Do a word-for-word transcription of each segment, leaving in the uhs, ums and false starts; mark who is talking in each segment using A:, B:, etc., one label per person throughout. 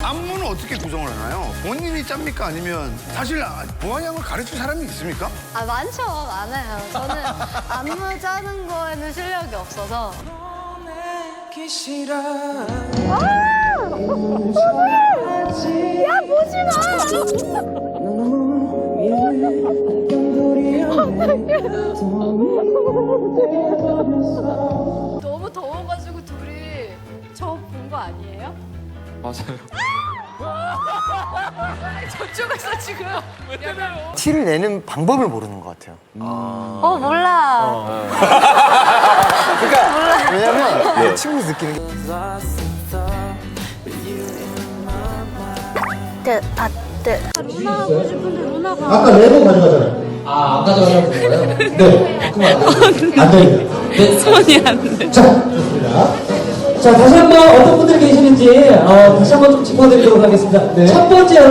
A: 안무는 어떻게 구성을 하나요? 본인이 짭니까? 아니면 사실 보아 양을 가르칠 사람이 있습니까?
B: 아, 많죠. 많아요. 저는 안무 짜는 거에는 실력이 없어서. 야, 보지 마! 너무 더워가지고 둘이 저 본 거 아니에요?
C: 맞아요.
B: 저쪽에서 지금.
D: 티를 내는 방법을 모르는 것 같아요.
B: 어, 몰라.
D: 그러니까 왜냐면 내 친구에서 느끼는 게
B: 뜨, 아, 뜨. 루나 하고 싶은데 루나가.
E: 아까 레고 가져가잖아요. 아, 안 가져가려고 그런 거예요? 네. 그만 안 됩니다. 네.
F: 손이 안 돼.
E: 자, 좋습니다. 자, 다시 한 번 어떤 분들 계시는지 어, 다시 한 번 좀 짚어드리도록 하겠습니다. 네. 첫 번째 여러분.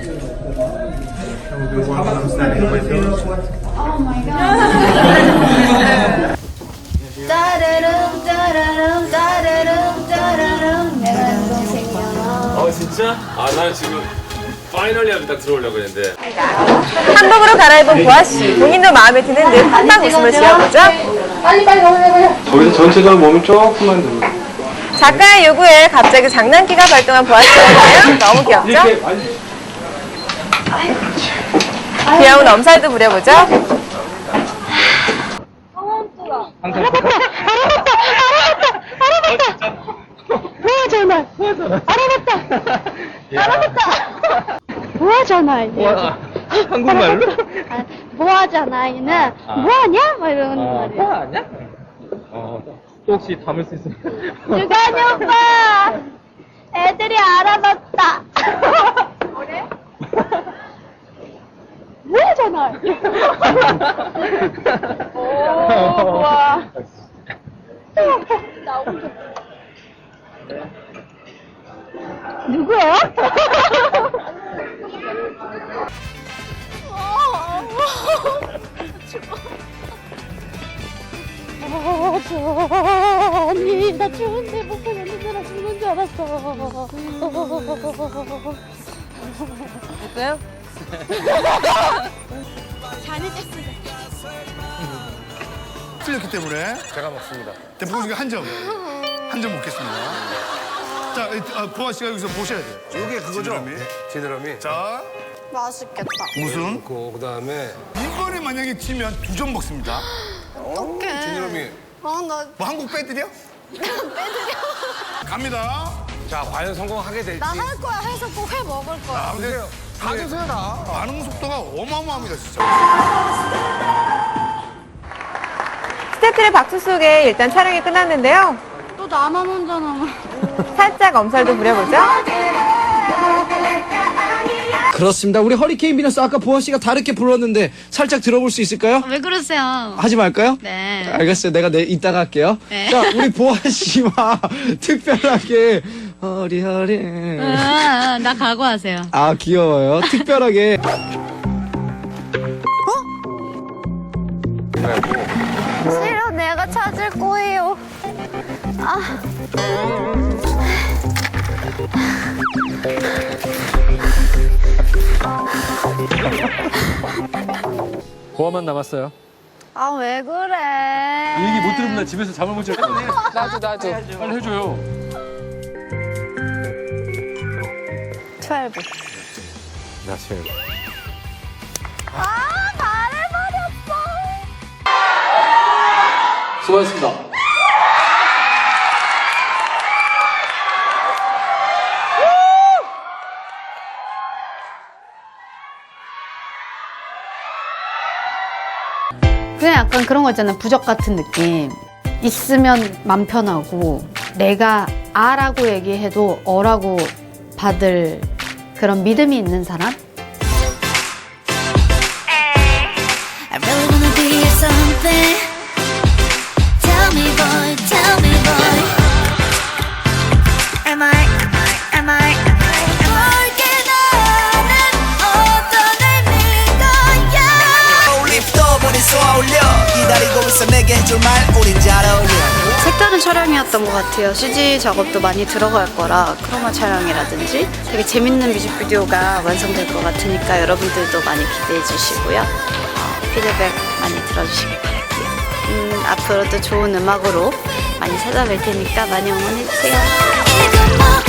B: 짜르릉 짜르릉 짜르릉 짜르릉 내가 동생이야.
C: 어 진짜? 아 나 지금 파이널 리하면 딱 들어오려고 했는데.
F: 한복으로 갈아입은 보아 씨. 본인도 마음에 드는 늘 팡팡 웃음을 지어보죠.
B: 빨리 빨리 올려봐요.
C: 거기서 전체적으로 몸이 조금만 들어.
F: 작가의 요구에 갑자기 장난기가 발동한 보아 씨였는데요. 너무 귀엽죠?
C: 이렇게 아니.
F: 귀여운 엄살도 부려보죠.
B: 보아잖아. 알아봤다. 알아봤다. 보아잖아.
C: 한국말로?
B: 보아잖아. 얘는 뭐하냐? 막 이러는 말이야.
C: 뭐 아니야? 어. 또 혹시 담을 수 있으면.
B: 유관이 오빠. 애들이 알아봤다. 그래? 뭐하잖아. 오, 좋아. 나 혼자. 누구야? 아, 아니, 나 추운데 못 보겠는데 나 죽는 줄 알았어.
F: 됐어요?
B: 잘해줬어.
A: 틀렸기 때문에
D: 제가 먹습니다.
A: 대포 중에 한 점. 한 점 먹겠습니다. 자, 이, 아, 보아 씨가 여기서 보셔야 돼요.
D: 이게 그거죠?
A: 지느러미.
D: 지느러미.
A: 자,
B: 맛있겠다.
A: 우승.
D: 그 그다음에
A: 이번에 만약에 지면 두 점 먹습니다.
B: 어떡해.
D: 지느러미.
B: 아, 나
A: 뭐 한국 빼드려?
B: 빼드려.
A: 갑니다.
D: 자, 과연 성공하게 될지.
B: 나 할 거야. 해서 꼭 해 먹을 거야.
A: 아, 근데
D: 다 드세요, 다.
A: 반응 속도가 어마어마합니다, 진짜.
F: 스태프들의 박수 속에 일단 촬영이 끝났는데요.
B: 또 나만 혼자 남아.
F: 살짝 엄살도 부려보죠.
E: 그렇습니다. 우리 허리케인 비너스 아까 보아 씨가 다르게 불렀는데 살짝 들어볼 수 있을까요?
B: 왜 그러세요?
E: 하지 말까요?
B: 네.
E: 알겠어요. 내가 내 이따가 할게요.
B: 네.
E: 자, 우리 보아 씨와 특별하게 허리허리.
B: 아, 나 각오하세요.
E: 아, 귀여워요. 특별하게.
B: 싫어, 내가 찾을 거예요. 아.
C: 보아만 남았어요.
B: 아, 왜 그래?
C: 이 얘기 못 들으면 나 집에서 잠을 못 잘 거네. 나도 나도. 빨리 해줘요.
B: 십이.
C: 나 제일.
B: 아, 말해버렸어.
C: 수고하셨습니다.
B: 그냥 약간 그런 거 있잖아요. 부적 같은 느낌. 있으면 맘 편하고 내가 아라고 얘기해도 어라고 받을 그런 믿음이 있는 사람?
G: I really wanna be something. Tell me, boy, tell me, boy. Am I, am I, 너에게 나는 어떤 의미가야?
H: 립도 보니 쏘아올려 기다리고 있어 내게 해줄 말 우린 잘 어울려.
B: 색다른 촬영이었던 것 같아요. 씨지 작업도 많이 들어갈 거라 크로마 촬영이라든지 되게 재밌는 뮤직비디오가 완성될 것 같으니까 여러분들도 많이 기대해 주시고요. 어, 피드백 많이 들어주시길 바랄게요. 음, 앞으로도 좋은 음악으로 많이 찾아뵐 테니까 많이 응원해 주세요.
G: even more